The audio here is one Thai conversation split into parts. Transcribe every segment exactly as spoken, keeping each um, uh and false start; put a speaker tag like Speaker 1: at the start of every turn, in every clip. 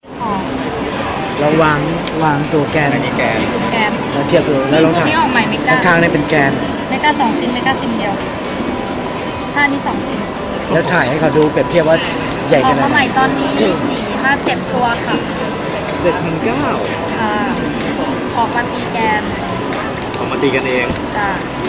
Speaker 1: เราวางวางตัวแกน
Speaker 2: อันนี้แกน
Speaker 3: แกน
Speaker 1: เราเทียบดูแล้วลอง
Speaker 3: ตัว
Speaker 1: ถ่าย
Speaker 3: นี้ออกใหม่เมกา
Speaker 1: ข้างๆนี่เป็นแกน
Speaker 3: เมกาสองซิมเมกาซิมเดียวถ้านี้สองซิม
Speaker 1: แล้วถ่ายให้เขาดูเปรียบเทียบว่าใหญ่
Speaker 3: อ
Speaker 1: ข
Speaker 3: อก
Speaker 1: นาด
Speaker 3: มา
Speaker 1: ไห
Speaker 3: ให
Speaker 1: น
Speaker 3: ม่ตอนนี้สี่ห้าเจ็ดตัวค่ะ
Speaker 2: เจ็ดพันเก้า
Speaker 3: ค่ะออกมาตีแกน
Speaker 2: ออกมาตีกันเอง
Speaker 3: จ้ะ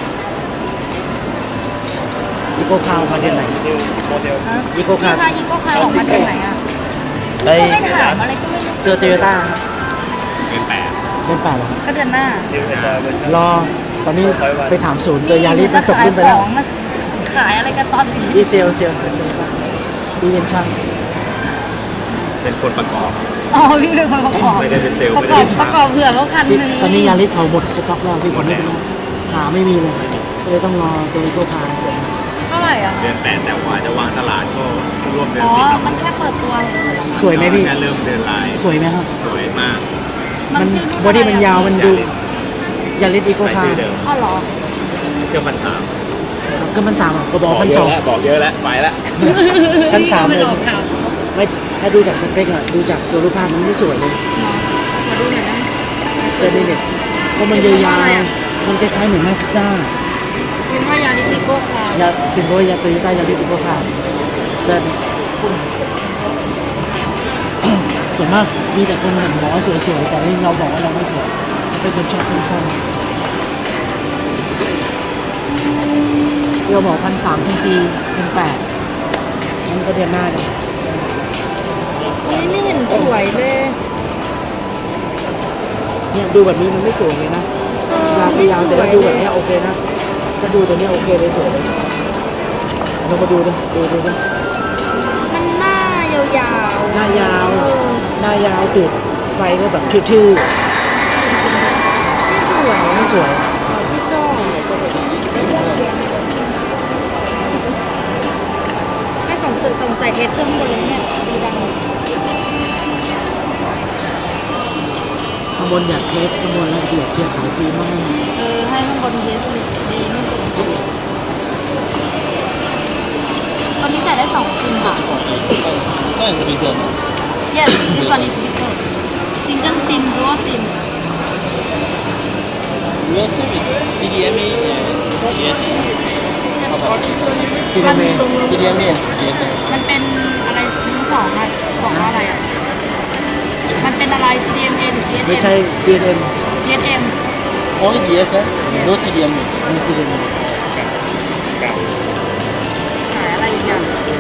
Speaker 1: อีโก้คาวมาที่ไหน
Speaker 2: โมเดล
Speaker 3: ฮะ
Speaker 1: อีโก้คาร์
Speaker 3: พี่คะอีโก้คาร์ออกมาจากไหนอ่ะ
Speaker 1: ไอ้
Speaker 3: ก็ไม่ถามอะไรก็ไม่รู้
Speaker 1: เจอโตโยต้าครับ
Speaker 2: เงินแปด
Speaker 1: เป็นป่าเหรอ
Speaker 3: ก็เดือนหน้า
Speaker 2: เดือนหน้าร
Speaker 1: อตอนนี้ไปถามศูนย์ตัวยาริสมันตก
Speaker 3: ขาย
Speaker 1: ขึ้นไป
Speaker 3: ข
Speaker 1: แล้ว
Speaker 3: องมาขายอะไรกันตอนนี้
Speaker 1: ดีเซลเซลเซลดีเป็นช่าง
Speaker 2: เป็นคนประกอบ
Speaker 3: อ๋อพี่เป็นคนประกอบ
Speaker 2: ไม่ได้เป็นเซลล์
Speaker 3: ประ
Speaker 2: ไม่
Speaker 3: ก
Speaker 2: ได้
Speaker 3: อบ
Speaker 2: เป็น
Speaker 3: ป
Speaker 2: ช่าง
Speaker 3: ระกอบเผื่อเขาคันหนึง
Speaker 1: ตอนนี้ยาริสเขาหมดสต็อกแล้วพี่
Speaker 2: หมดแล้ว
Speaker 1: หาไม่มีเลยก็เลยต้องรอตัวอีโก้คาร์เสร็จ
Speaker 3: เท่าไหร่อ่ะ
Speaker 2: เดือนแปดแต่ว่าจะวางตลาดก็ร่วมเดือน
Speaker 3: อ๋อ
Speaker 2: สิบ
Speaker 3: มันแค่เปิดตัว
Speaker 1: สวยไหมพี่
Speaker 2: แค่เริ่มเดือนลาย
Speaker 1: สวยไหมครับ
Speaker 2: สวยมาก
Speaker 1: มัน
Speaker 3: ชื่อรุ่
Speaker 1: บอดี้มันยาว
Speaker 3: อะไร
Speaker 1: มัน
Speaker 3: อะ
Speaker 1: ดูยาริสอีโก้
Speaker 2: ใช้
Speaker 1: คา
Speaker 2: ชื่อ
Speaker 1: ร์
Speaker 2: เดิม
Speaker 3: อ๋อเหรอ
Speaker 2: เครื่องพันสาม
Speaker 1: ก็มันสามอ่ะก็บอก
Speaker 2: บอก
Speaker 1: พัน
Speaker 2: เย
Speaker 1: สอ
Speaker 2: อะ
Speaker 1: ง
Speaker 2: แล้วบอกเยอะแล้วไปแล้ว
Speaker 1: พันสาม
Speaker 3: ไม่
Speaker 1: เลย
Speaker 3: หลอกข่าว
Speaker 1: ไม่ถ้าดูจากสเปคอะดูจากตัวรูปภาพมันไม่สวยเลย
Speaker 3: มาดูหน่อยนะ
Speaker 1: เซอร์เดเน็ตเพราะมันยาวๆมันคล้ายๆเหมือนมาสด้า
Speaker 3: เป็นว่ายาลิซิโก้คาร์
Speaker 1: ยาเป็นเพราะว่ายาโตโยต้ายาริสอีโก้คาร์เซอร์ส่วนมากมีแต่คนเห็นบอกว่าสวยๆแต่นี่เราบอกว่าเราไม่สวยเป็นคนชอบสั้นๆเราบอกพันสามชั้นซีพันแปดมันก็เดือนหน้าเลย
Speaker 3: อุ้ยไม่เห็นสวยเลย
Speaker 1: เนี่ยดูแบบนี้มันไม่สวยเลยนะ
Speaker 3: เออย
Speaker 1: าวไปยาวแต่ว่าดูแบบเนี้ยโอเคนะถ้าดูตัวเนี้ยโอเคเลยสวยเลยเรามาดูดิดูดูดิ
Speaker 3: มันหน้ายาวๆ
Speaker 1: หน้ายาว
Speaker 3: เออ
Speaker 1: หน้ายาวตูดไฟก็แบบทื่อ
Speaker 3: ไม่สวย
Speaker 1: ๆไม่สวย
Speaker 3: ไม่ชอบไม่สงสัยสงสัยเทสเครื่องบนเลยเนี่ยดีดัง
Speaker 1: ข้างบนอยากเทสข้างบนแล้วเดี๋ยวเชียร์ขายฟรีมาก
Speaker 3: เออให้ข้างบนเทสดีไม่บนตอนนี้ใส่ได้สองซิมค่ะ
Speaker 4: 算是一个吗？
Speaker 3: yes this one is bigger single sim dual sim
Speaker 4: Dual SIM is C D M A and G S M.
Speaker 1: ซีเรเม
Speaker 4: C D M A and G S M.
Speaker 3: มันเป็นอะไรทั้งสองอะบอกว่าอะไรอะมันเป็นอะไร ซี ดี เอ็ม เอ หรือ จี เอส เอ็ม
Speaker 1: ไม่ใช่ จี เอ็ม
Speaker 3: จี เอส เอ็ม
Speaker 4: Only G S M, no C D M A.
Speaker 1: ไม่ซีเรเม
Speaker 3: ขายอะไรอีกอย่าง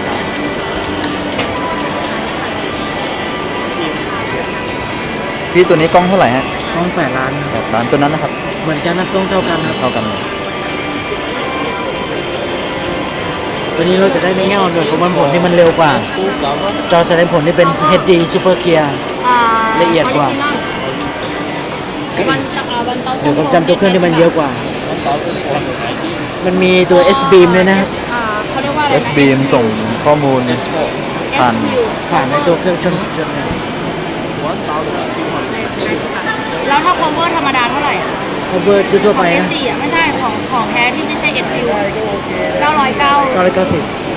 Speaker 5: พี่ตัวนี้กล้องเท่าไหร่ฮะ
Speaker 1: กล้องแปดล้าน
Speaker 5: แปดล้านตัวนั้นนะครับ
Speaker 1: เหมือนกันนะกล้องเท่ากันนะ
Speaker 5: เท่ากันเลย
Speaker 1: ตัวนี้เราจะได้ในแง่ของหน่วยประมวลผลที่มันเร็วกว่า จอแสดงผลที่เป็น เอช ดี Super Clear
Speaker 3: อ่า
Speaker 1: ละเอียดกว่า
Speaker 3: วันตะอ่าวันเตา
Speaker 1: เดี๋ยวผมจำตัวเครื่องที่มันเยอะกว่า มันมีตัว S beam ด้วยนะ
Speaker 3: อ่าเขาเรียกว่าอะไร
Speaker 5: เอ
Speaker 3: นะ
Speaker 5: สบีมส่งข้อมูล ผ่าน
Speaker 3: เอส คิว
Speaker 1: ผ่านในตัวเครื่องชนชน
Speaker 3: แล้วถ้า cover ธรรมดาเท่าไหร่อะ
Speaker 1: cover ทั่ว
Speaker 3: ข
Speaker 1: ๆ
Speaker 3: อง
Speaker 1: ไป
Speaker 3: เอส
Speaker 1: นะ
Speaker 3: สี่อ่ะไม่ใช่ของของแท้ที่ไม่ใช่ เอส คิว เก้าร้อยเก้า
Speaker 1: เก้าร้อยเก้าสิบ